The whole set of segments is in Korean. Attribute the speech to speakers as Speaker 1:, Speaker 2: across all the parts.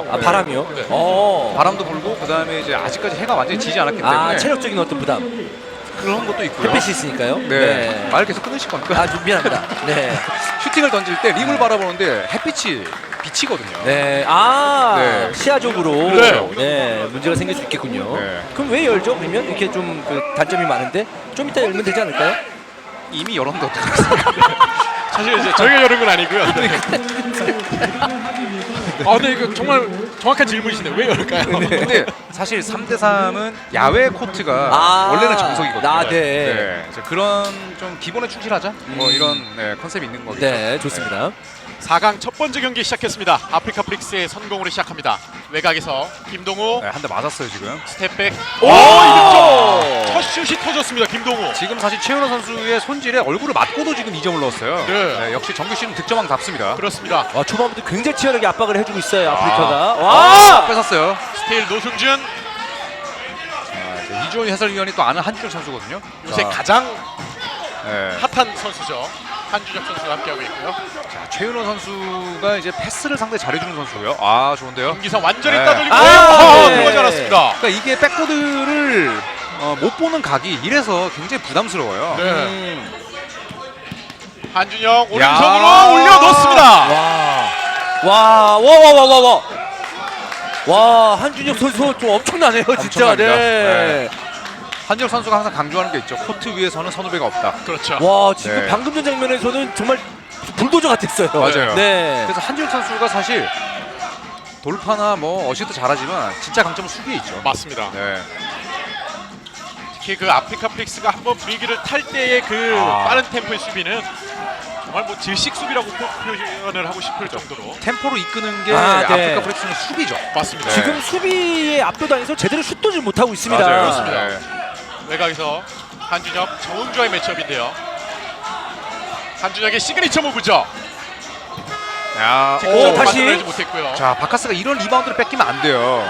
Speaker 1: 아, 바람이요?
Speaker 2: 네.
Speaker 3: 바람도 불고 그다음에 이제 아직까지 해가 완전히 지지 않았기 때문에
Speaker 1: 체력적인 어떤 부담.
Speaker 3: 그런 것도 있고요.
Speaker 1: 햇빛이 있으니까요.
Speaker 3: 네. 말 계속 끊으실 겁니까?
Speaker 1: 아, 좀 미안합니다. 네.
Speaker 3: 슈팅을 던질 때 림을 바라보는데 햇빛이 비치거든요.
Speaker 1: 네.
Speaker 3: 네.
Speaker 1: 시야적으로
Speaker 3: 그렇죠.
Speaker 1: 네, 문제가 생길 수 있겠군요.
Speaker 3: 네.
Speaker 1: 그럼 왜 열죠? 그러면 이렇게 좀 그 단점이 많은데 좀 이따 열면 되지 않을까요?
Speaker 3: 이미 열었는데 어떡하겠습니까?
Speaker 2: 사실 이제 저희가 열은 건 아니고요. 네, 이거 정말 정확한 질문이시네요. 왜 열까요?
Speaker 3: 근데 사실 3대3은 야외 코트가 원래는 정석이거든요.
Speaker 1: 네.
Speaker 3: 그래서 그런 좀 기본에 충실하자 뭐 이런 컨셉이 있는 거겠죠.
Speaker 1: 네, 좋습니다.
Speaker 2: 4강 첫 번째 경기 시작했습니다. 아프리카 프릭스의 선공으로 시작합니다. 외곽에서 김동우
Speaker 3: 한 대 맞았어요 지금.
Speaker 2: 스텝백.
Speaker 1: 오!
Speaker 2: 이득점! 첫 슛이 터졌습니다. 김동우.
Speaker 3: 지금 사실 최은호 선수의 손질에 얼굴을 맞고도 지금 2점을 넣었어요.
Speaker 2: 네.
Speaker 3: 역시 정규 시즌 득점왕답습니다.
Speaker 2: 그렇습니다.
Speaker 1: 초반부터 굉장히 치열하게 압박을 해주고 있어요. 아프리카가.
Speaker 3: 와! 뺏었어요.
Speaker 2: 스틸 노승준.
Speaker 3: 이주원 해설위원이 또 아는 한준혁 선수거든요.
Speaker 2: 요새 가장
Speaker 3: 네.
Speaker 2: 핫한 선수죠. 한준혁 선수가 함께하고 있고요.
Speaker 3: 자, 최은호 선수가 이제 패스를 상당히 잘해주는 선수고요. 아, 좋은데요.
Speaker 2: 김기성 완전히
Speaker 3: 네.
Speaker 2: 따돌리고
Speaker 1: 네.
Speaker 2: 들어가지 않았습니다.
Speaker 3: 그러니까 이게 백보드를 못 보는 각이 이래서 굉장히 부담스러워요.
Speaker 2: 네. 한준혁 오른손으로 올려 넣습니다.
Speaker 1: 와, 한준혁 선수 좀 엄청나네요, 진짜.
Speaker 3: 엄청납니다.
Speaker 1: 네.
Speaker 3: 한준혁 선수가 항상 강조하는 게 있죠. 코트 위에서는 선후배가 없다.
Speaker 2: 그렇죠.
Speaker 1: 와, 지금
Speaker 3: 네.
Speaker 1: 방금 전 장면에서는 정말 불도저 같았어요.
Speaker 3: 맞아요.
Speaker 1: 네.
Speaker 3: 그래서 한준혁 선수가 사실 돌파나 뭐 어시스트 잘하지만 진짜 강점은 수비에 있죠.
Speaker 2: 맞습니다.
Speaker 3: 네.
Speaker 2: 특히 그 아프리카 프릭스가 한번 분위기를 탈 때의 그 빠른 템포의 수비는 정말 뭐 질식 수비라고 표현을 하고 싶을 정도로
Speaker 3: 템포로 이끄는 게
Speaker 1: 네.
Speaker 3: 아프리카 프릭스는 수비죠.
Speaker 2: 맞습니다.
Speaker 3: 네.
Speaker 1: 지금 수비에 압도당해서 제대로 슛도 좀 못하고 있습니다.
Speaker 3: 맞아요.
Speaker 2: 그렇습니다.
Speaker 3: 네.
Speaker 2: 외곽에서 한준혁 정은주와의 매치업인데요. 한준혁의 시그니처 무브죠.
Speaker 3: 야,
Speaker 2: 직접
Speaker 1: 다시.
Speaker 2: 만들어내지 못했고요.
Speaker 3: 자, 바카스가 이런 리바운드를 뺏기면 안 돼요.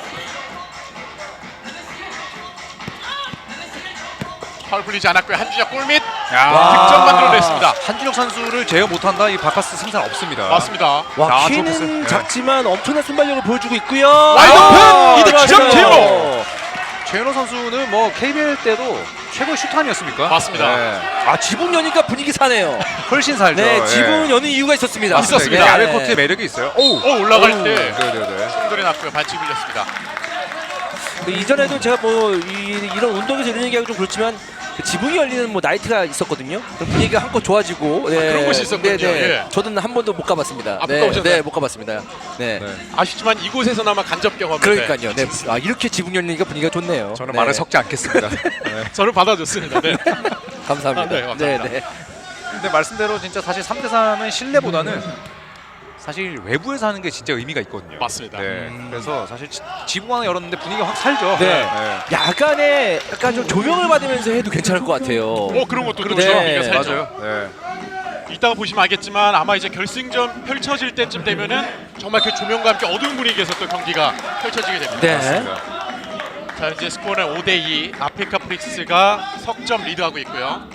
Speaker 2: 파울 풀리지 않았고요. 한준혁 골밑
Speaker 3: 야,
Speaker 2: 득점 만들어냈습니다.
Speaker 3: 한준혁 선수를 제어 못한다. 이 바카스 승산 없습니다.
Speaker 2: 맞습니다.
Speaker 1: 와,
Speaker 3: 자,
Speaker 1: 키는
Speaker 3: 좁혔어요.
Speaker 1: 작지만 엄청난 순발력을 보여주고 있고요.
Speaker 2: 와이드 오픈! 이득점
Speaker 1: 들어갔어요.
Speaker 2: 제로!
Speaker 3: 최현호 선수는 뭐 KBL 때도 최고의 슈터 아니었습니까?
Speaker 2: 맞습니다.
Speaker 3: 네.
Speaker 1: 지붕 여니까 분위기 사네요.
Speaker 3: 훨씬 살죠.
Speaker 1: 네, 지붕
Speaker 3: 네.
Speaker 1: 여는 이유가 있었습니다.
Speaker 2: 있었습니다.
Speaker 3: 이게 야외
Speaker 1: 네.
Speaker 3: 코트의 매력이 있어요. 오,
Speaker 2: 올라갈
Speaker 3: 오.
Speaker 2: 때
Speaker 3: 네네네.
Speaker 2: 충돌이 났고요. 반칙 밀렸습니다.
Speaker 1: 이전에도 제가 뭐 이런 운동에서 이런 얘기하기 좀 그렇지만 그 지붕이 열리는 뭐 나이트가 있었거든요. 그럼 분위기가 한껏 좋아지고
Speaker 2: 그런 곳이 있었군요. 예.
Speaker 1: 저는 한 번도 못 가봤습니다.
Speaker 2: 못 가보셨나요?
Speaker 1: 네, 못 가봤습니다. 네.
Speaker 3: 네.
Speaker 2: 아쉽지만 이곳에서나마 간접 경험인데
Speaker 1: 그러니까요. 네. 이렇게 지붕 열리니까 분위기가 좋네요.
Speaker 3: 저는
Speaker 1: 네.
Speaker 3: 말을 섞지 않겠습니다. 네.
Speaker 2: 저를 받아줬습니다. 네.
Speaker 1: 감사합니다.
Speaker 2: 네, 감사합니다.
Speaker 1: 네.
Speaker 3: 근데 말씀대로 진짜 사실 3대3은 실내보다는 사실 외부에서 하는 게 진짜 의미가 있거든요.
Speaker 2: 맞습니다.
Speaker 3: 네. 그래서 사실 지붕 하나 열었는데 분위기가 확 살죠.
Speaker 1: 네. 야간에 약간 좀 조명을 받으면서 해도 괜찮을 것 같아요.
Speaker 2: 그런 것도
Speaker 1: 네.
Speaker 2: 그렇죠. 네.
Speaker 3: 맞아요. 네.
Speaker 2: 이따가 보시면 알겠지만 아마 이제 결승전 펼쳐질 때쯤 되면은 정말 그 조명과 함께 어두운 분위기에서 또 경기가 펼쳐지게 됩니다.
Speaker 1: 네.
Speaker 3: 맞습니다.
Speaker 2: 자, 이제 스코어는 5대2 아프리카 프릭스가 석점 리드하고 있고요.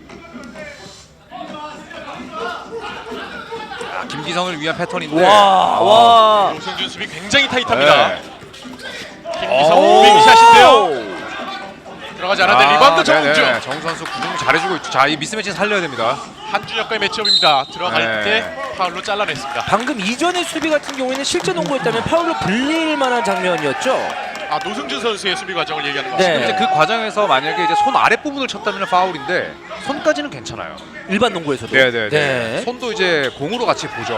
Speaker 3: 김기성을 위한 패턴인데.
Speaker 1: 와.
Speaker 2: 노승준 수비 굉장히 타이트합니다.
Speaker 3: 네.
Speaker 2: 김기성 무빙샷인데요. 들어가지 않았는데 리바운드 정은주.
Speaker 3: 네네. 정 선수 구중 잘해주고 있죠. 자, 이 미스매치는 살려야 됩니다.
Speaker 2: 한준혁과의 매치업입니다. 들어갈
Speaker 3: 네.
Speaker 2: 때 파울로 잘라냈습니다.
Speaker 1: 방금 이전의 수비 같은 경우에는 실제 농구였다면 파울로 불릴 만한 장면이었죠.
Speaker 2: 노승준 선수의 수비 과정을 얘기하는
Speaker 1: 네.
Speaker 2: 것입니다.
Speaker 3: 이제 그 과정에서 만약에 이제 손 아랫 부분을 쳤다면 파울인데 손까지는 괜찮아요.
Speaker 1: 일반 농구에서도.
Speaker 3: 네네네.
Speaker 1: 네.
Speaker 3: 손도 이제 공으로 같이 보죠.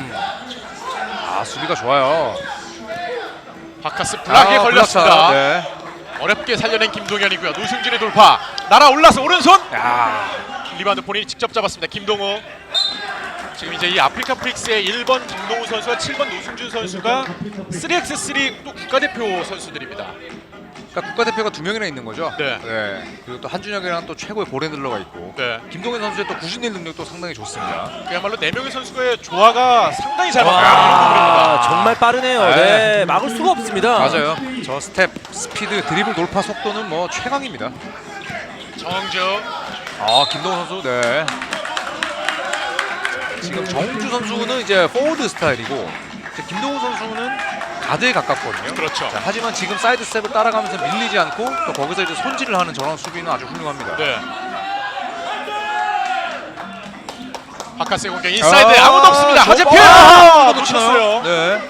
Speaker 3: 수비가 좋아요.
Speaker 2: 바카스 블락에 걸렸습니다.
Speaker 3: 네.
Speaker 2: 어렵게 살려낸 김동현이고요. 노승준의 돌파. 날아올라서 오른손.
Speaker 3: 야,
Speaker 2: 리바운드 본인이 직접 잡았습니다. 김동우. 지금 이제 이 아프리카 프릭스의 1번 김동우 선수와 7번 노승준 선수가 3x3 또 국가대표 선수들입니다.
Speaker 3: 그러니까 국가대표가 2명이나 있는 거죠.
Speaker 2: 네.
Speaker 3: 그리고 또 한준혁이랑 또 최고의 볼핸들러가 있고.
Speaker 2: 네.
Speaker 3: 김동현 선수의 또 구신일 능력도 상당히 좋습니다.
Speaker 2: 그야말로 4명의 선수의 조화가 상당히 잘 맞는
Speaker 1: 정말 빠르네요.
Speaker 3: 네.
Speaker 1: 네. 막을 수가 없습니다.
Speaker 3: 맞아요. 저 스텝, 스피드, 드리블 돌파 속도는 뭐 최강입니다.
Speaker 2: 정은주.
Speaker 3: 김동현 선수, 네. 지금 정웅주 선수는 이제 포워드 스타일이고 이제 김동훈 선수는 가드에 가깝거든요.
Speaker 2: 그렇죠.
Speaker 3: 자, 하지만 지금 사이드 스텝을 따라가면서 밀리지 않고 또 거기서 이제 손질을 하는 저런 수비는 아주 훌륭합니다.
Speaker 2: 네. 바카스의 공격 인사이드 아무도 없습니다. 하재필 놓쳤어요.
Speaker 3: 네.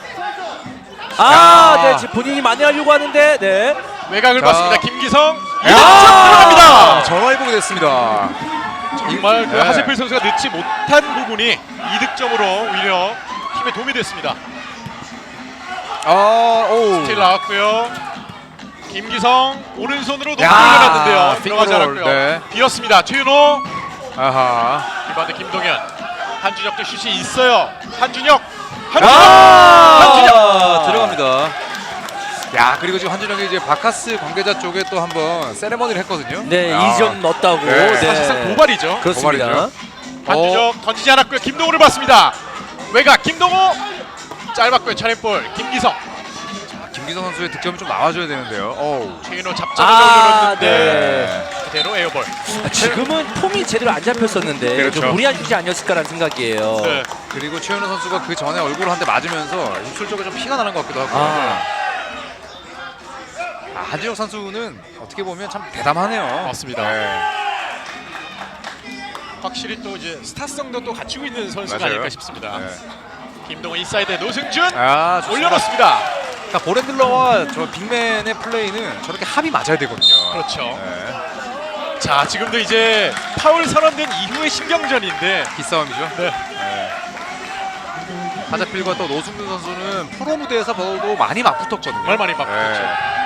Speaker 1: 네, 지금 본인이 만회하려고 하는데, 네.
Speaker 2: 외곽을
Speaker 3: 자.
Speaker 2: 봤습니다. 김기성
Speaker 3: 야!
Speaker 2: 2득점 들어갑니다.
Speaker 3: 전화위복이 됐습니다.
Speaker 2: 정말 그
Speaker 3: 네.
Speaker 2: 하재필 선수가 넣지 못한 부분이 2득점으로 오히려 팀에 도움이 됐습니다.
Speaker 3: 오.
Speaker 2: 스틸 나왔고요. 김기성 오른손으로 높이
Speaker 3: 야,
Speaker 2: 올려놨는데요. 들어가지
Speaker 3: 핑크롤,
Speaker 2: 않았고요.
Speaker 3: 네.
Speaker 2: 비었습니다. 최윤호
Speaker 3: 아하.
Speaker 2: 리바운드 김동현. 한준혁도 슛이 있어요. 한준혁
Speaker 3: 들어갑니다. 야, 그리고 지금 한준혁이 이제 바카스 관계자 쪽에 또 한번 세레머니를 했거든요.
Speaker 1: 네,
Speaker 3: 야.
Speaker 1: 2점 넣었다고.
Speaker 3: 네,
Speaker 2: 사실상 도발이죠.
Speaker 1: 그렇습니다.
Speaker 3: 도발이죠.
Speaker 2: 한준혁 던지지 않았고요. 김동호를 봤습니다. 외곽 김동호 짧았고요. 차례볼 김기성.
Speaker 3: 김기성 선수의 득점이 좀 나와줘야 되는데요. 어우.
Speaker 2: 최윤호 잡자마자 올려놨는데
Speaker 1: 네.
Speaker 2: 그대로 에어볼.
Speaker 1: 지금은 폼이 제대로 안 잡혔었는데
Speaker 3: 그렇죠.
Speaker 1: 좀 무리한 슛이 아니었을까라는 생각이에요.
Speaker 2: 네.
Speaker 3: 그리고 최현우 선수가 그 전에 얼굴을 한 대 맞으면서 입술 쪽에 좀 피가 나는 것 같기도 하고. 한준혁 선수는 어떻게 보면 참 대담하네요.
Speaker 2: 맞습니다.
Speaker 3: 네.
Speaker 2: 확실히 또 이제 스타성도 또 갖추고 있는 선수가
Speaker 3: 맞아요.
Speaker 2: 아닐까 싶습니다.
Speaker 3: 네.
Speaker 2: 김동호 인사이드 노승준
Speaker 3: 아, 좋습니다.
Speaker 2: 올려놓습니다.
Speaker 3: 그러니까 보렌들러와 저 빅맨의 플레이는 저렇게 합이 맞아야 되거든요.
Speaker 2: 그렇죠.
Speaker 3: 네.
Speaker 2: 자 지금도 이제 파울 선언된 이후의 신경전인데
Speaker 3: 기싸움이죠.
Speaker 2: 네.
Speaker 3: 하자필과 또 노승준 선수는 프로 무대에서 도 많이 맞붙었거든요.
Speaker 2: 정말 많이 맞붙었죠.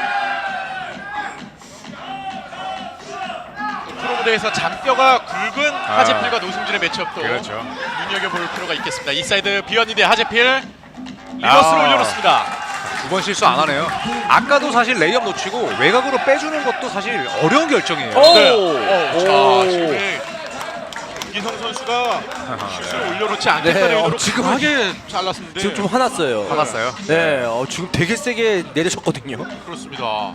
Speaker 2: 프로 무대에서 잔뼈가 굵은 하재필과 노승준의 매치업도
Speaker 3: 그렇죠.
Speaker 2: 눈여겨볼 필요가 있겠습니다. 인사이드 비었는데 하재필 리버스로 올려놓습니다.
Speaker 3: 두 번 실수 안 하네요. 아까도 사실 레이업 놓치고 외곽으로 빼주는 것도 사실 어려운 결정이에요.
Speaker 2: 네.
Speaker 1: 오.
Speaker 2: 자 지금 김기성 선수가 슛을 올려놓지 않겠다는
Speaker 1: 네,
Speaker 2: 의도로
Speaker 1: 지금
Speaker 2: 강하게 잘랐는데
Speaker 1: 지금 좀 화났어요.
Speaker 3: 화났어요.
Speaker 1: 네, 지금 되게 세게 내리셨거든요.
Speaker 2: 그렇습니다.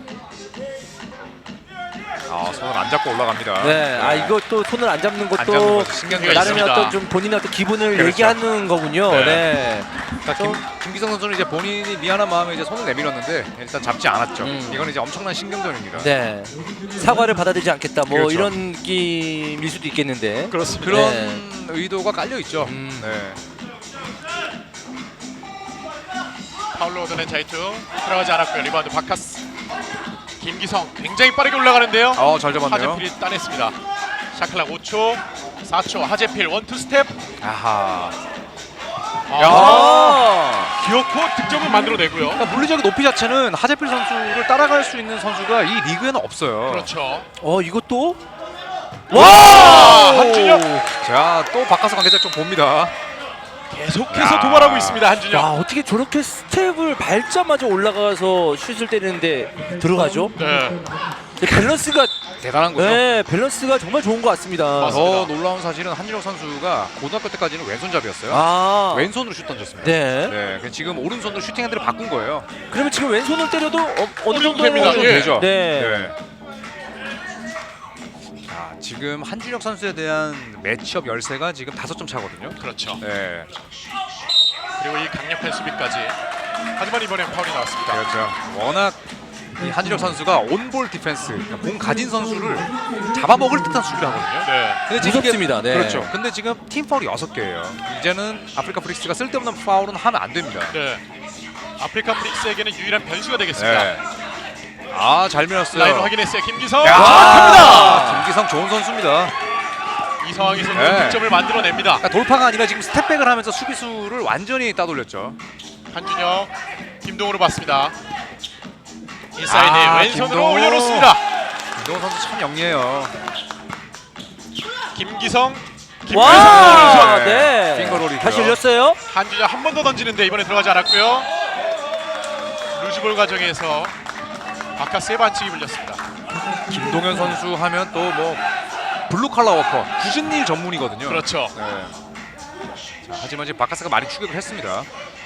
Speaker 3: 손을 안 잡고 올라갑니다.
Speaker 1: 네, 이것도 손을 안 잡는
Speaker 3: 안
Speaker 1: 것도
Speaker 3: 잡는 것도 신경이
Speaker 2: 나름-
Speaker 1: 나름의
Speaker 2: 있습니다.
Speaker 1: 어떤 좀 본인의 어떤 기분을
Speaker 3: 그렇죠.
Speaker 1: 얘기하는 거군요.
Speaker 2: 네.
Speaker 1: 네.
Speaker 3: 그러니까 김기성 선수는 이제 본인이 미안한 마음에 이제 손을 내밀었는데 일단 잡지 않았죠. 이건 이제 엄청난 신경전입니다.
Speaker 1: 네. 사과를 받아들이지 않겠다. 뭐
Speaker 3: 그렇죠.
Speaker 1: 이런 느낌일 수도 있겠는데.
Speaker 2: 그렇습니다.
Speaker 3: 그런
Speaker 1: 네.
Speaker 3: 의도가 깔려 있죠.
Speaker 1: 음.
Speaker 2: 파울로 얻어낸 자이투 들어가지 않았고요. 리바운드 바카스. 김기성 굉장히 빠르게 올라가는데요.
Speaker 3: 잘 잡았네요.
Speaker 2: 하재필이 따냈습니다. 샤클락 5초, 4초. 하재필 원투 스텝.
Speaker 3: 아하.
Speaker 2: 기어코 득점을 만들어내고요.
Speaker 3: 그러니까 물리적인 높이 자체는 하재필 선수를 따라갈 수 있는 선수가 이 리그에는 없어요.
Speaker 2: 그렇죠.
Speaker 1: 이것도
Speaker 2: 한준혁
Speaker 3: 자, 또 바카스 관계자 좀 봅니다.
Speaker 2: 계속해서
Speaker 3: 야.
Speaker 2: 도발하고 있습니다. 한준혁.
Speaker 1: 어떻게 저렇게 스텝을 밟자마자 올라가서 슛을 때리는데 들어가죠?
Speaker 2: 네.
Speaker 1: 밸런스가
Speaker 3: 대단한 거죠.
Speaker 1: 네, 밸런스가 정말 좋은 것 같습니다.
Speaker 2: 맞습니다.
Speaker 3: 더 놀라운 사실은 한준혁 선수가 고등학교 때까지는 왼손잡이였어요. 왼손으로 슛 던졌습니다.
Speaker 1: 네.
Speaker 3: 그래서 지금 오른손으로 슈팅 핸들을 바꾼 거예요.
Speaker 1: 그러면 지금 왼손을 때려도 어느 정도
Speaker 2: 됩니다. 예.
Speaker 3: 되죠.
Speaker 1: 네.
Speaker 3: 자, 지금 한준혁 선수에 대한 매치업 열세가 지금 5점 차거든요.
Speaker 2: 그렇죠.
Speaker 3: 네.
Speaker 2: 그리고 이 강력한 수비까지. 하지만 이번엔 파울이 나왔습니다.
Speaker 3: 그렇죠. 워낙 이 한준혁 선수가 온볼 디펜스, 그러니까 공 가진 선수를 잡아먹을 듯한 수비를 하거든요.
Speaker 2: 네.
Speaker 3: 근데 지금
Speaker 1: 무섭습니다. 네.
Speaker 3: 그렇죠. 근데 지금 팀 파울이 6개예요. 이제는 아프리카 프릭스가 쓸데없는 파울은 하면 안 됩니다.
Speaker 2: 네. 아프리카 프릭스에게는 유일한 변수가 되겠습니다.
Speaker 3: 네. 잘 밀었어요.
Speaker 2: 라인 확인했어요. 김기성.
Speaker 3: 야,
Speaker 2: 정확합니다.
Speaker 3: 김기성 좋은 선수입니다.
Speaker 2: 이 상황에서
Speaker 3: 네.
Speaker 2: 득점을 만들어냅니다.
Speaker 3: 그러니까 돌파가 아니라 지금 스텝백을 하면서 수비수를 완전히 따돌렸죠.
Speaker 2: 한준혁, 김동호로 봤습니다. 인사이드 왼손으로
Speaker 3: 김동호.
Speaker 2: 올려놓습니다.
Speaker 3: 김동호 선수 참 영리해요.
Speaker 2: 김기성,
Speaker 1: 와,
Speaker 2: 김기성
Speaker 1: 네.
Speaker 3: 핑거롤이고요.
Speaker 1: 다시 열렸어요.
Speaker 2: 한준혁 한 번 더 던지는데 이번에 들어가지 않았고요. 루즈볼 과정에서 바카스의 반칙이 불렸습니다.
Speaker 3: 김동현 선수 하면 또 뭐 블루 칼라 워커, 굳은 일 전문이거든요.
Speaker 2: 그렇죠.
Speaker 3: 네. 자, 하지만 지금 바카스가 많이 추격을 했습니다.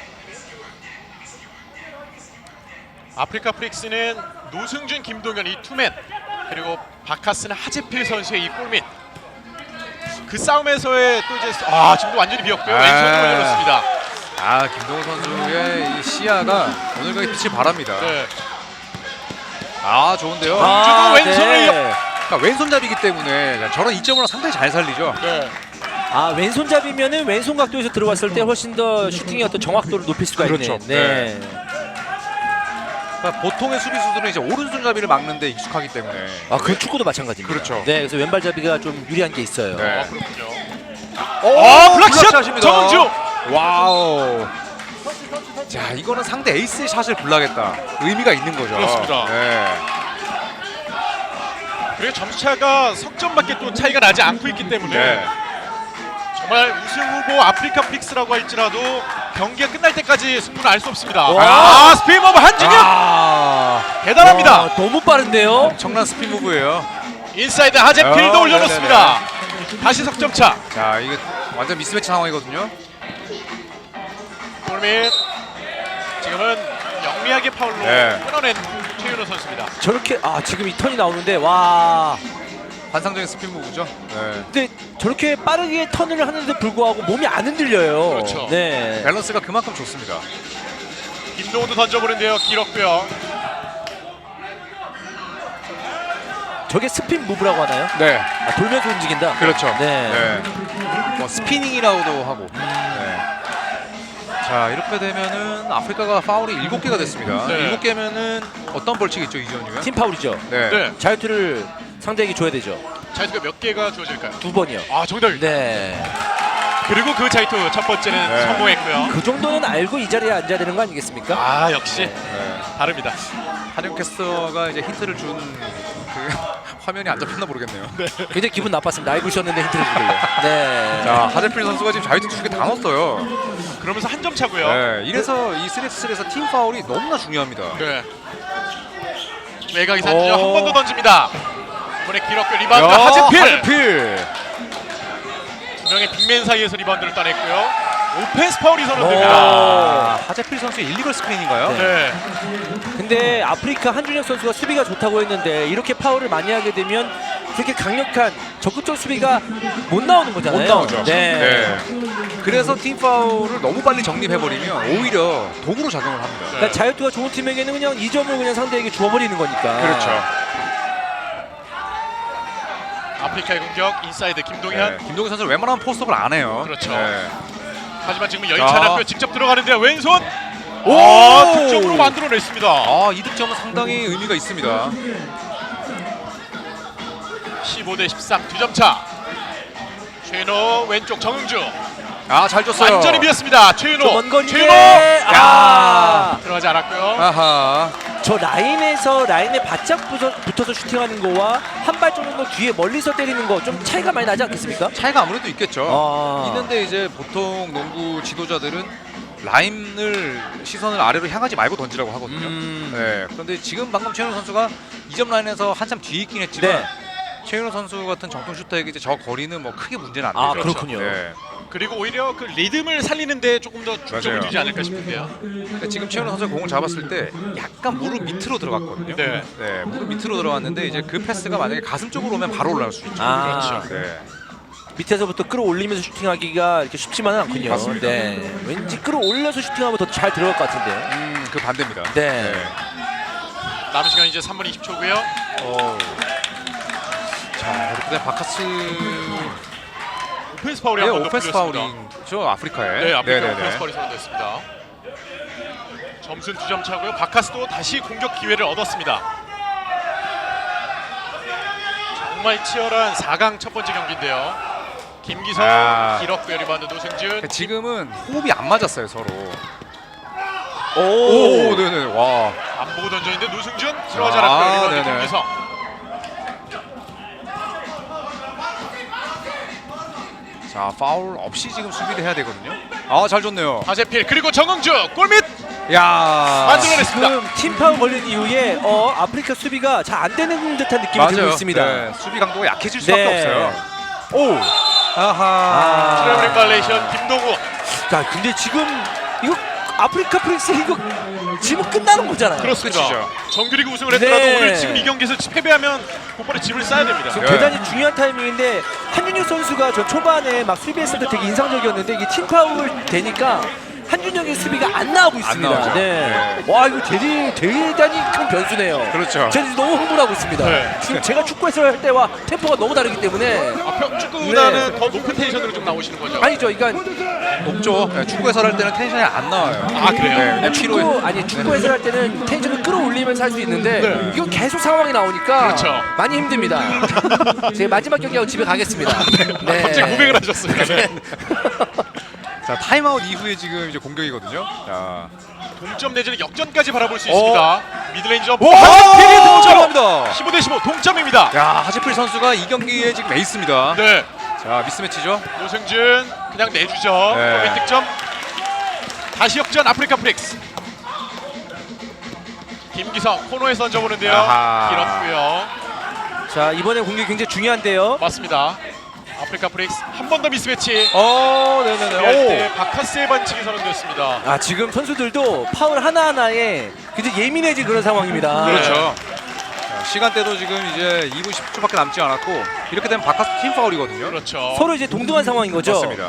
Speaker 2: 아프리카 프릭스는 노승준, 김동현 이 투맨 그리고 바카스는 하재필 선수의 이 골밑 그 싸움에서의 또 이제 지금도 완전히 비었고요. 왼손으로 올려놓습니다.
Speaker 3: 아, 김동우 선수의 이 시야가 오늘까지 빛을 발합니다.
Speaker 2: 네.
Speaker 3: 아, 좋은데요.
Speaker 2: 주고 왼손을
Speaker 3: 그러니까 왼손잡이기 때문에 저런 이점으로 상당히 잘 살리죠.
Speaker 2: 네.
Speaker 1: 아, 왼손잡이면은 왼손 각도에서 들어왔을 때 훨씬 더 슈팅의 어떤 정확도를 높일 수가
Speaker 3: 그렇죠.
Speaker 1: 있는. 네.
Speaker 3: 그러니까 보통의 수비수들은 이제 오른손잡이를 막는데 익숙하기 때문에.
Speaker 1: 아, 그 축구도 마찬가지입니다.
Speaker 3: 그렇죠.
Speaker 1: 네, 그래서 왼발잡이가 좀 유리한 게 있어요.
Speaker 3: 네.
Speaker 2: 아, 그렇군요.
Speaker 3: 오,
Speaker 2: 블락샷!
Speaker 3: 블락샷입니다.
Speaker 2: 정은주!
Speaker 3: 와우. 자, 이거는 상대 에이스의 샷을 블락했다. 의미가 있는 거죠.
Speaker 2: 그렇습니다.
Speaker 3: 네.
Speaker 2: 그리고 점수차가 석점밖에 또 차이가 나지 않고 있기 때문에
Speaker 3: 네.
Speaker 2: 정말 우승 후보 아프리카 프릭스라고 할지라도 경기가 끝날 때까지 승부는 알 수 없습니다.
Speaker 1: 와.
Speaker 2: 아, 스피드 오브 한진혁!
Speaker 3: 아,
Speaker 2: 대단합니다.
Speaker 1: 와, 너무 빠른데요.
Speaker 3: 엄청난 스핀 무브예요.
Speaker 2: 인사이드 하재필도 올려놓습니다. 다시 석점차.
Speaker 3: 자, 이게 완전 미스매치 상황이거든요.
Speaker 2: 골밑. 지금은 영리하게 파울로
Speaker 3: 네.
Speaker 2: 끊어낸 최윤호 선수입니다.
Speaker 1: 저렇게 지금 이 턴이 나오는데 와.
Speaker 3: 환상적인 스핀 무브죠. 네.
Speaker 1: 근데 저렇게 빠르게 턴을 하는데 불구하고 몸이 안 흔들려요.
Speaker 2: 그렇죠.
Speaker 1: 네.
Speaker 3: 밸런스가 그만큼 좋습니다.
Speaker 2: 김동우도 던져보는데요. 길었고요.
Speaker 1: 저게 스핀 무브라고 하나요?
Speaker 3: 네.
Speaker 1: 아, 돌면서 움직인다.
Speaker 3: 그렇죠.
Speaker 1: 네.
Speaker 3: 뭐 스피닝이라고도 하고. 네. 자, 이렇게 되면은 아프리카가 파울이 7개가 됐습니다.
Speaker 2: 네.
Speaker 3: 7개면은 어떤 벌칙이 있죠, 이전이면?
Speaker 1: 팀 파울이죠.
Speaker 3: 네.
Speaker 2: 네.
Speaker 1: 자유투를 상대에게 줘야 되죠.
Speaker 2: 자유투가 몇 개가 주어질까요?
Speaker 1: 2번이요.
Speaker 2: 아, 정답입니다.
Speaker 1: 네.
Speaker 2: 그리고 그 자유투 첫 번째는
Speaker 3: 네.
Speaker 2: 성공했고요.
Speaker 1: 그 정도는 알고 이 자리에 앉아야 되는 거 아니겠습니까?
Speaker 2: 아, 역시
Speaker 3: 네.
Speaker 2: 다릅니다.
Speaker 3: 한영 캐스터가 이제 힌트를 준 그 화면이 안 잡혔나 모르겠네요.
Speaker 1: 굉장히 기분 나빴습니다. 알고 있었는데 힌트를 주길래. 네.
Speaker 3: 자, 하재필 선수가 지금 자유투 2개 다 넣었어요.
Speaker 2: 그러면서 한 점 차고요.
Speaker 3: 네. 이래서 이 3x3에서 팀 파울이 너무나 중요합니다.
Speaker 2: 네. 외곽이 산지죠.
Speaker 1: 오.
Speaker 2: 한 번 더 던집니다. 이번에 길었고 리바운드 하재필.
Speaker 3: 하재필.
Speaker 2: 두 명의 빅맨 사이에서 리바운드를 따냈고요. 오펜스 파울이
Speaker 1: 오.
Speaker 2: 선언됩니다.
Speaker 3: 아, 하재필 선수의 일리걸 스크린인가요?
Speaker 1: 네.
Speaker 2: 네.
Speaker 1: 근데 아프리카 한준혁 선수가 수비가 좋다고 했는데 이렇게 파울을 많이 하게 되면 그렇게 강력한 적극적 수비가 못 나오는 거잖아요.
Speaker 3: 못 나오죠.
Speaker 1: 네.
Speaker 3: 그래서 팀 파울을 너무 빨리 정립해버리면 오히려 도구로 작용을 합니다.
Speaker 1: 그러니까 자유투가 좋은 팀에게는 그냥 2점을 그냥 상대에게 주어버리는 거니까.
Speaker 3: 그렇죠.
Speaker 2: 아프리카의 공격 인사이드 김동현.
Speaker 3: 네. 김동현 선수는 웬만하면 포스트업을 안 해요.
Speaker 2: 그렇죠.
Speaker 3: 네.
Speaker 2: 하지만 지금 여의치 않았고요. 직접 들어가는데요. 왼손.
Speaker 3: 오!
Speaker 2: 득점으로 만들어냈습니다.
Speaker 3: 아, 이 득점은 상당히 의미가 있습니다.
Speaker 2: 15대 13 두 점 차. 최윤호 왼쪽 정응주.
Speaker 3: 아, 잘 줬어요.
Speaker 2: 완전히 비었습니다. 최윤호.
Speaker 1: 먼 거리인데.
Speaker 2: 최윤호.
Speaker 1: 아.
Speaker 2: 들어가지 않았고요.
Speaker 3: 아하.
Speaker 1: 저 라인에 바짝 붙어서 슈팅하는 거와 한 발 정도 뒤에 멀리서 때리는 거 좀 차이가 많이 나지 않겠습니까?
Speaker 3: 차이가 아무래도 있겠죠.
Speaker 1: 아.
Speaker 3: 있는데 이제 보통 농구 지도자들은 라인을 시선을 아래로 향하지 말고 던지라고 하거든요. 네. 그런데 지금 방금 최윤호 선수가 2점 라인에서 한참 뒤에 있긴 했지만
Speaker 1: 네.
Speaker 3: 최윤호 선수 같은 정통 슈터에게 이제 저 거리는 뭐 크게 문제는 안 되죠.
Speaker 1: 아, 그렇군요.
Speaker 3: 네.
Speaker 2: 그리고 오히려 그 리듬을 살리는데 조금 더 중점을
Speaker 3: 맞아요.
Speaker 2: 두지 않을까 싶은데요.
Speaker 3: 그러니까 지금 최윤호 선수가 공을 잡았을 때 약간 무릎 밑으로 들어갔거든요.
Speaker 2: 네.
Speaker 3: 네, 무릎 밑으로 들어갔는데 이제 그 패스가 만약에 가슴 쪽으로 오면 바로 올라갈 수 있죠.
Speaker 1: 아.
Speaker 2: 그렇죠.
Speaker 3: 네.
Speaker 1: 밑에서부터 끌어올리면서 슈팅하기가 이렇게 쉽지만은 않군요.
Speaker 3: 맞습니다.
Speaker 1: 네. 왠지 끌어올려서 슈팅하면 더 잘 들어갈 것 같은데요.
Speaker 3: 그 반대입니다.
Speaker 1: 네.
Speaker 2: 남은 시간 이제 3분 20초고요.
Speaker 3: 자, 이렇게 되면 바카스
Speaker 2: 오펜스 파울이
Speaker 3: 네,
Speaker 2: 한번 더
Speaker 3: 오펜스
Speaker 2: 풀렸습니다.
Speaker 3: 파울이죠, 아프리카에.
Speaker 2: 네, 아프리카
Speaker 3: 네네네.
Speaker 2: 오펜스 파울이 선언됐습니다. 점수는 2점 차고요. 바카스도 다시 공격 기회를 얻었습니다. 정말 치열한 4강 첫 번째 경기인데요. 김기성
Speaker 3: 아.
Speaker 2: 길었고요. 리바운드 노승준.
Speaker 3: 지금은 호흡이 안 맞았어요, 서로.
Speaker 1: 오.
Speaker 3: 네네. 와.
Speaker 2: 안 보고 던졌는데 노승준 들어가지
Speaker 3: 아,
Speaker 2: 않았고요. 리바운드
Speaker 3: 네네.
Speaker 2: 김기성.
Speaker 3: 자, 파울 없이 지금 수비를 해야 되거든요. 아, 잘 줬네요.
Speaker 2: 하재필 그리고 정응주 골밑
Speaker 3: 야.
Speaker 2: 만들어냈습니다.
Speaker 1: 지금 팀 파울 걸린 이후에 아프리카 수비가 잘 안 되는 듯한 느낌이 들고 있습니다.
Speaker 3: 네, 수비 강도가 약해질 수밖에
Speaker 1: 네.
Speaker 3: 없어요. 오. 아하.
Speaker 2: 트래블링 발레이션 김동우.
Speaker 1: 자, 근데 지금 이거 아프리카 프릭스 이거 지금 끝나는 거잖아요.
Speaker 2: 그렇습니다.
Speaker 3: 끝이죠.
Speaker 2: 정규리그 우승을 했더라도
Speaker 1: 네.
Speaker 2: 오늘 지금 이 경기에서 패배하면 곧바로 집을 싸야 됩니다.
Speaker 1: 지금
Speaker 3: 네.
Speaker 1: 대단히 중요한 타이밍인데 한준혁 선수가 저 초반에 막 수비했을 때 되게 인상적이었는데 이게 팀 파울 되니까 한준혁의 수비가 안 나오고 있습니다.
Speaker 3: 나오죠.
Speaker 1: 네. 와 이거 대단히 큰 변수네요.
Speaker 3: 그렇죠.
Speaker 1: 제가 지금 너무 흥분하고 있습니다.
Speaker 2: 네.
Speaker 1: 지금 제가 축구에서 할 때와 템포가 너무 다르기 때문에
Speaker 2: 축구보다는 더 높은 텐션으로 좀 나오시는 거죠?
Speaker 1: 아니죠. 그러니까
Speaker 3: 높죠. 네, 축구 해설할 때는 텐션이 안 나와요.
Speaker 2: 아, 그래요?
Speaker 3: 네, 그냥
Speaker 1: 축구 해설할 때는 텐션을 끌어올리면서 할 수 있는데
Speaker 2: 네.
Speaker 1: 이건 계속 상황이 나오니까
Speaker 2: 그렇죠.
Speaker 1: 많이 힘듭니다. 제 마지막 경기하고 집에 가겠습니다. 네.
Speaker 2: 갑자기 고백을 하셨습니다. 네.
Speaker 3: 자, 타임아웃 이후에 지금 이제 공격이거든요. 자,
Speaker 2: 동점 내지는 역전까지 바라볼 수 있습니다. 미들레인지 점프.
Speaker 3: 오!
Speaker 2: 하지필이 동점.
Speaker 3: 들어갑니다.
Speaker 2: 15대15 동점입니다.
Speaker 3: 야, 하지필 선수가 이 경기에 지금 에이스입니다.
Speaker 2: 네.
Speaker 3: 자, 미스매치죠.
Speaker 2: 노승준 그냥 내주죠.
Speaker 3: 네.
Speaker 2: 더빈 득점. 다시 역전 아프리카 프릭스. 김기성 코너에서 던져보는데요.
Speaker 3: 아하.
Speaker 2: 길었고요.
Speaker 1: 자 이번에 공격이 굉장히 중요한데요.
Speaker 2: 맞습니다. 아프리카 프릭스 한 번 더 미스매치.
Speaker 3: 네네네.
Speaker 2: 할 때 바카스의 반칙이 선언됐습니다.
Speaker 1: 아 지금 선수들도 파울 하나하나에 굉장히 예민해진 그런 상황입니다.
Speaker 3: 그렇죠. 자, 시간대도 지금 이제 2분 10초밖에 남지 않았고 이렇게 되면 바카스 팀 파울이거든요.
Speaker 2: 그렇죠.
Speaker 1: 서로 이제 동등한 상황인 거죠.
Speaker 3: 맞습니다.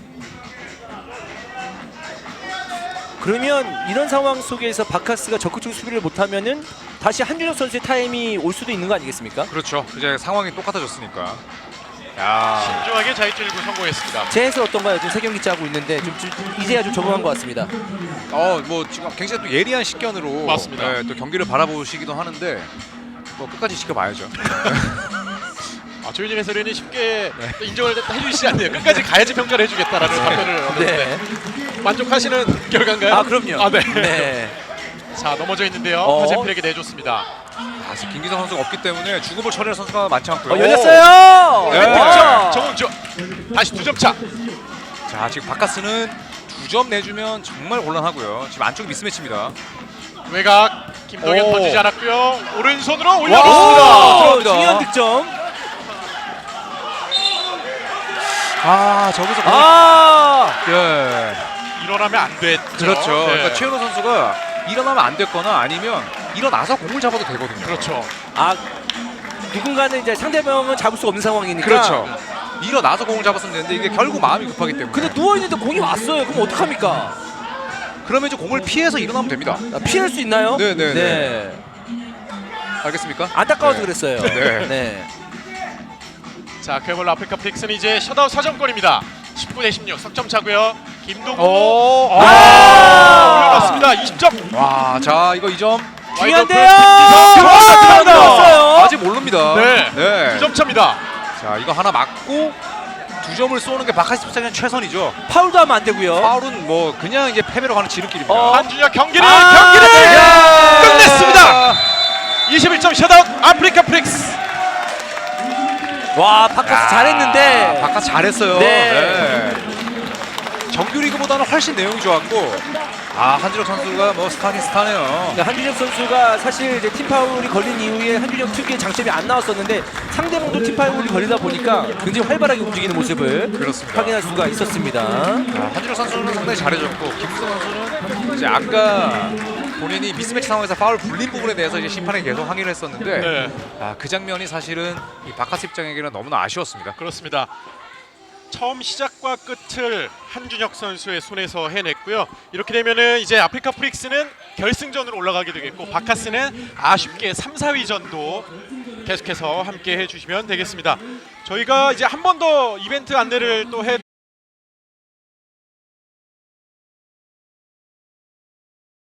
Speaker 1: 그러면 이런 상황 속에서 바카스가 적극적 수비를 못하면은 다시 한준혁 선수의 타임이 올 수도 있는 거 아니겠습니까?
Speaker 3: 그렇죠. 이제 상황이 똑같아졌으니까. 야,
Speaker 2: 신중하게 자유투 성공했습니다.
Speaker 1: 제 해설 어떤가요? 지금 세 경기째 하고 있는데 좀 이제야 좀 적응한 것 같습니다.
Speaker 3: 뭐 지금 굉장히 또 예리한 식견으로
Speaker 2: 맞습니다.
Speaker 3: 네, 또 경기를 바라보시기도 하는데 뭐 끝까지 지켜봐야죠.
Speaker 2: 조윤진 해설위원이 쉽게 또 인정을 해주시지 않네요. 끝까지 가야지 평가를 해주겠다라는 답변을 얻었는데
Speaker 1: 네.
Speaker 2: 만족하시는 결과인가요?
Speaker 1: 아 그럼요.
Speaker 2: 아, 네.
Speaker 1: 네.
Speaker 2: 자 넘어져 있는데요. 하재필에게 내줬습니다.
Speaker 3: 아, 지금 김기성 선수가 없기 때문에 죽음을 처리할 선수가 많지 않고요.
Speaker 1: 열렸어요.
Speaker 3: 네.
Speaker 2: 득점 정웅주 다시 2점 차.
Speaker 3: 자, 지금 바카스는 2점 내주면 정말 곤란하고요. 지금 안쪽이 미스매치입니다.
Speaker 2: 외곽 김동현
Speaker 3: 오.
Speaker 2: 던지지 않았고요. 오른손으로
Speaker 3: 와,
Speaker 2: 올려놓습니다.
Speaker 3: 들어갑니다.
Speaker 1: 중요한 득점.
Speaker 3: 아, 저기서 예.
Speaker 2: 일어나면 안 됐죠.
Speaker 3: 그렇죠.
Speaker 2: 네.
Speaker 3: 그러니까 최현우 선수가 일어나면 안 됐거나 아니면 일어나서 공을 잡아도 되거든요.
Speaker 2: 그렇죠.
Speaker 1: 아 누군가는 이제 상대방은 잡을 수 없는 상황이니까.
Speaker 3: 그렇죠. 일어나서 공을 잡았으면 되는데 이게 결국 마음이 급하기 때문에.
Speaker 1: 근데 누워 있는데 공이 왔어요. 그럼 어떡합니까?
Speaker 3: 그러면 이제 공을 피해서 일어나면 됩니다.
Speaker 1: 아, 피할 수 있나요?
Speaker 3: 네네네.
Speaker 1: 네.
Speaker 3: 알겠습니까?
Speaker 1: 안타까워서
Speaker 3: 네.
Speaker 1: 그랬어요.
Speaker 3: 네.
Speaker 1: 네.
Speaker 2: 자 그야말로 아프리카 프릭스는 이제 셧아웃 4점권입니다. 19대 16 석점 차고요. 김동우
Speaker 3: 오.
Speaker 2: 올려놨습니다. 20점.
Speaker 3: 와, 자 이거 2점.
Speaker 1: 중요한데요.
Speaker 2: 들어왔습니다.
Speaker 3: 아직 모릅니다.
Speaker 2: 네. 2점 차입니다.
Speaker 3: 자 이거 하나 맞고 2점을 쏘는 게 바카스 입장에는 최선이죠.
Speaker 1: 파울도 하면 안 되고요.
Speaker 3: 파울은 뭐 그냥 이제 패배로 가는 지름길입니다.
Speaker 2: 한준혁 경기를
Speaker 1: 네.
Speaker 2: 끝냈습니다. 21점 셧아웃 아프리카 프릭스.
Speaker 1: 와 바카스 잘했는데.
Speaker 3: 바카스 잘했어요.
Speaker 1: 네.
Speaker 3: 정규리그보다는 훨씬 내용이 좋았고 한준혁 선수가 뭐 스타긴 스타네요.
Speaker 1: 그러니까 한준혁 선수가 사실 이제 팀 파울이 걸린 이후에 한준혁 특유의 장점이 안 나왔었는데 상대방도 팀 파울이 걸리다 보니까 굉장히 활발하게 움직이는 모습을
Speaker 3: 그렇습니다.
Speaker 1: 확인할 수가 있었습니다.
Speaker 3: 한준혁 선수는 상당히 잘해줬고 김수성 선수는 이제 아까 본인이 미스매치 상황에서 파울 불린 부분에 대해서 이제 심판에 계속 항의를 했었는데
Speaker 2: 네.
Speaker 3: 그 장면이 사실은 이 바카스 입장에게는 너무나 아쉬웠습니다.
Speaker 2: 그렇습니다. 처음 시작과 끝을 한준혁 선수의 손에서 해냈고요. 이렇게 되면은 이제 아프리카 프릭스는 결승전으로 올라가게 되겠고 바카스는 아쉽게 3, 4위전도 계속해서 함께 해주시면 되겠습니다. 저희가 이제 한 번 더 이벤트 안내를 또